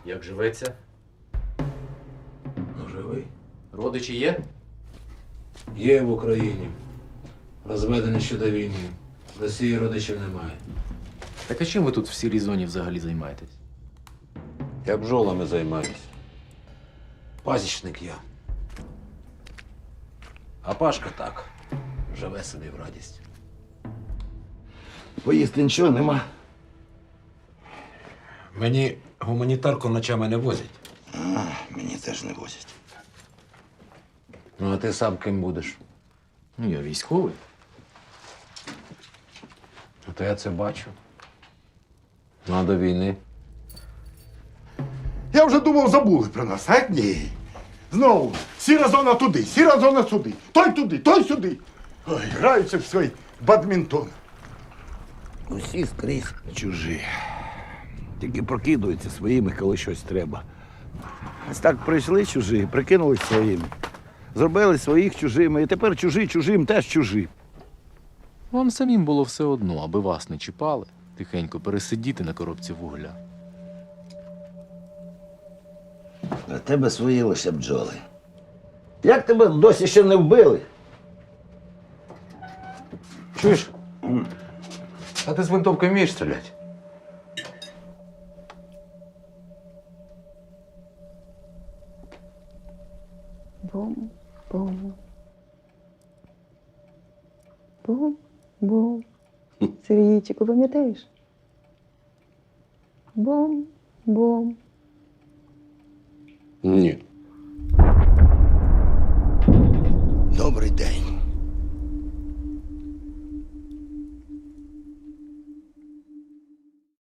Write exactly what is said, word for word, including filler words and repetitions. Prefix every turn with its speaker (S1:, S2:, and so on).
S1: Як живеться?
S2: Ну, живий.
S1: Родичі є?
S2: Є в Україні. Розведений ще до війни. В Росії родичів немає.
S1: Так а чим ви тут в сірій зоні взагалі займаєтесь?
S2: Я бджолами займаюся. Пасічник я. А Пашка так. Живе собі в радість.
S3: Поїсти нічого нема.
S2: Мені гуманітарку ночами не возять.
S3: А, мені теж не возять.
S2: Ну, а ти сам ким будеш?
S1: Ну, я військовий.
S2: Ну, то я це бачу. Ну, а до війни.
S3: Я вже думав, забули про нас, а ні. Знову сіра зона туди, сіра зона сюди. Той туди, той сюди. Ой, граються в свій бадмінтон.
S4: Усі скрізь чужі. Тільки прокидуються своїми, коли щось треба. Ось так прийшли чужі, прикинулись своїми. Зробили своїх чужими, і тепер чужі чужим теж чужі.
S1: Вам самим було все одно, аби вас не чіпали, тихенько пересидіти на коробці вугля.
S4: А тебе свої лише бджоли. Як тебе досі ще не вбили?
S2: Чуєш? А ти з винтовкою вмієш стріляти?
S5: Бум-бум. Бум-бум. Сергійчику, пам'ятаєш? Бум-бум.
S2: Ні.